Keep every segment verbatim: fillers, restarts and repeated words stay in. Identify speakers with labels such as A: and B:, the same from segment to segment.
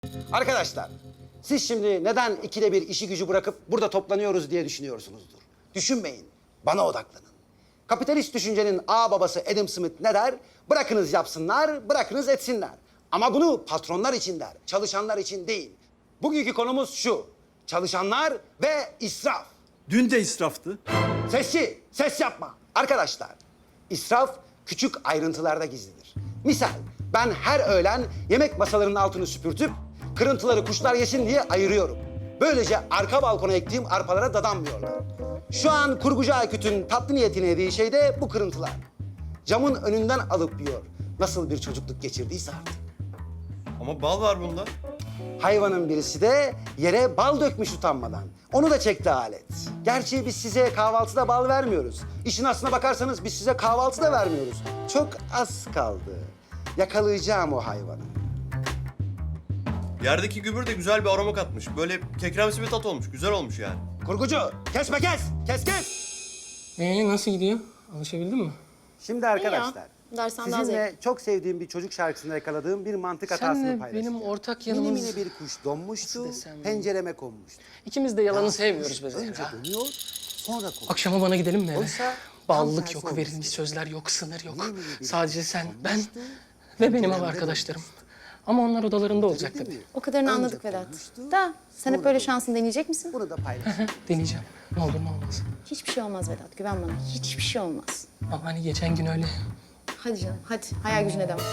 A: Arkadaşlar, siz şimdi neden ikide bir işi gücü bırakıp burada toplanıyoruz diye düşünüyorsunuzdur. Düşünmeyin, bana odaklanın. Kapitalist düşüncenin ağ babası Adam Smith ne der? Bırakınız yapsınlar, bırakınız etsinler. Ama bunu patronlar için der, çalışanlar için değil. Bugünkü konumuz şu, çalışanlar ve israf.
B: Dün de israftı.
A: Sesçi, ses yapma. Arkadaşlar, israf küçük ayrıntılarda gizlidir. Misal, ben her öğlen yemek masalarının altını süpürtüp kırıntıları kuşlar yesin diye ayırıyorum. Böylece arka balkona ektiğim arpalara dadanmıyorlar. Şu an kurgucu Aykut'un tatlı niyetine yediği şey de bu kırıntılar. Camın önünden alıp yiyor. Nasıl bir çocukluk geçirdiyse artık.
C: Ama bal var bunda.
A: Hayvanın birisi de yere bal dökmüş utanmadan. Onu da çekti alet. Gerçi biz size kahvaltıda bal vermiyoruz. İşin aslına bakarsanız biz size kahvaltı da vermiyoruz. Çok az kaldı. Yakalayacağım o hayvanı.
C: Yerdeki gübür de güzel bir aroma katmış. Böyle kekremsi bir tat olmuş. Güzel olmuş yani.
A: Kurgucu, kesme kes! Kes kes!
D: Ee, nasıl gidiyor? Alışabildin mi?
A: Şimdi arkadaşlar,
E: Dersten daha
A: sizinle çok sevdiğim bir çocuk şarkısında yakaladığım bir mantık hatasını
D: Senle
A: paylaşacağım.
D: benim ortak
A: Mini
D: yanımız...
A: mini bir kuş donmuştu,
D: Nasıl desem?
A: pencereme konmuştu.
D: İkimiz de yalanı
A: Ya,
D: sevmiyoruz be
A: kuş önce
D: Zehra.
A: dönüyor, sonra konuşuyor.
D: Akşama bana gidelim mi eve?
A: Oysa tam
D: Ballık
A: tersi
D: yok,
A: olmuş.
D: verilmiş sözler yok, sınır yok.
A: Mini mini bir
D: Sadece sen, ben
A: konmuştu,
D: ve benim ev
A: penceremde
D: arkadaşlarım. Ama onlar odalarında olacak
A: Değil
D: tabii.
A: mi?
E: O kadarını
A: Önce
E: anladık Vedat.
A: konuştu,
E: Da sen hep
A: sonra
E: böyle
A: konuştu.
E: şansını deneyecek misin?
A: Bunu da paylaşayım.
D: Deneyeceğim. Ne olur ne olmaz.
E: Hiçbir şey olmaz Vedat. Güven bana. Hiçbir şey olmaz.
D: Ama hani geçen gün öyle.
E: Hadi canım hadi. Hayal gücüne devam.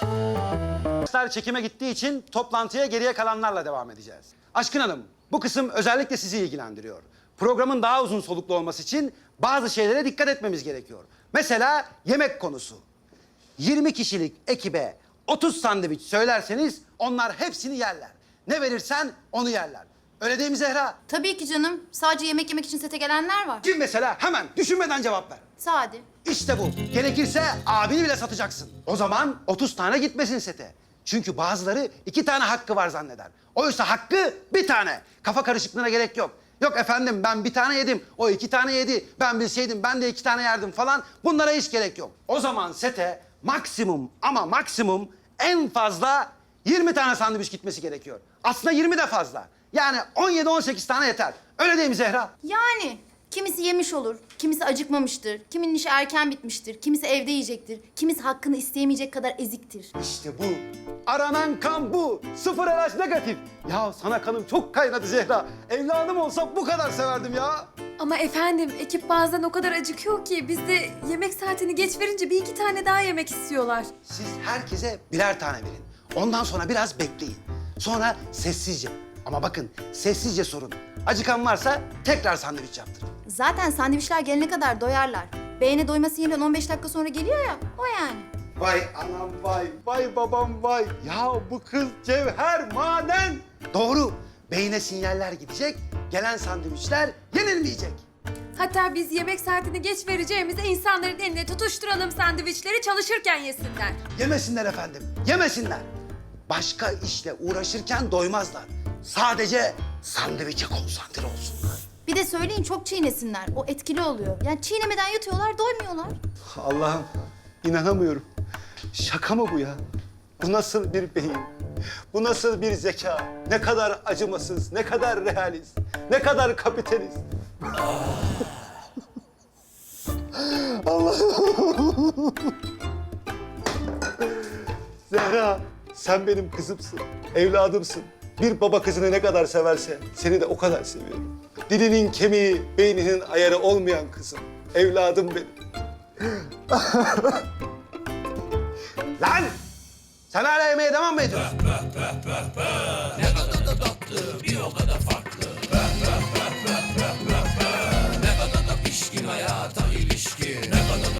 A: Arkadaşlar çekime gittiği için toplantıya geriye kalanlarla devam edeceğiz. Aşkın Hanım, bu kısım özellikle sizi ilgilendiriyor. Programın daha uzun soluklu olması için bazı şeylere dikkat etmemiz gerekiyor. Mesela yemek konusu. yirmi kişilik ekibe otuz sandviç söylerseniz onlar hepsini yerler. Ne verirsen onu yerler. Öyle değil mi Zehra?
F: Tabii ki canım. Sadece yemek yemek için sete gelenler var.
A: Kim mesela? Hemen düşünmeden cevap ver.
F: Sade.
A: İşte bu. Gerekirse abini bile satacaksın. O zaman otuz tane gitmesin sete. Çünkü bazıları iki tane hakkı var zanneder. Oysa hakkı bir tane. Kafa karışıklığına gerek yok. Yok efendim ben bir tane yedim, o iki tane yedi. Ben bilseydim ben de iki tane yerdim falan. Bunlara hiç gerek yok. O zaman sete maksimum ama maksimum en fazla yirmi tane sandviç gitmesi gerekiyor. Aslında yirmi de fazla. Yani on yedi on sekiz tane yeter. Öyle değil mi Zehra?
F: Yani kimisi yemiş olur, kimisi acıkmamıştır, kiminin işi erken bitmiştir, kimisi evde yiyecektir, kimisi hakkını isteyemeyecek kadar eziktir.
A: İşte bu. Aranan kan bu. Sıfır R H negatif. Ya sana kanım çok kaynadı Zehra. Evladım olsa bu kadar severdim ya.
G: Ama efendim ekip bazen o kadar acıkıyor ki biz de yemek saatini geç verince bir iki tane daha yemek istiyorlar.
A: Siz herkese birer tane verin. Ondan sonra biraz bekleyin. Sonra sessizce. Ama bakın sessizce sorun. Acıkan varsa tekrar sandviç yaptırın.
F: Zaten sandviçler gelene kadar doyarlar. Beğene doyma sinyali on beş dakika sonra geliyor ya, o yani.
A: Vay anam vay, vay babam vay. Ya bu kız cevher maden. Doğru. Beyne sinyaller gidecek, gelen sandviçler yenilmeyecek.
G: Hatta biz yemek saatini geç vereceğimize insanların eline tutuşturalım sandviçleri çalışırken yesinler.
A: Yemesinler efendim, yemesinler. Başka işle uğraşırken doymazlar. Sadece sandviçe konsantre olsunlar.
F: Bir de söyleyin çok çiğnesinler, o etkili oluyor. Yani çiğnemeden yatıyorlar, doymuyorlar.
A: Allah'ım inanamıyorum. Şaka mı bu ya? Bu nasıl bir beyin? Bu nasıl bir zeka? Ne kadar acımasız, ne kadar realist, ne kadar kapitalist. Allah'ım. Zehra, sen benim kızımsın, evladımsın. Bir baba kızını ne kadar severse seni de o kadar seviyorum. Dilinin kemiği, beyninin ayarı olmayan kızım. Evladım benim. Lan! Sen hala yemeğe devam mı ediyorsun?
H: Ne kadar da tatlı, bir o kadar farklı.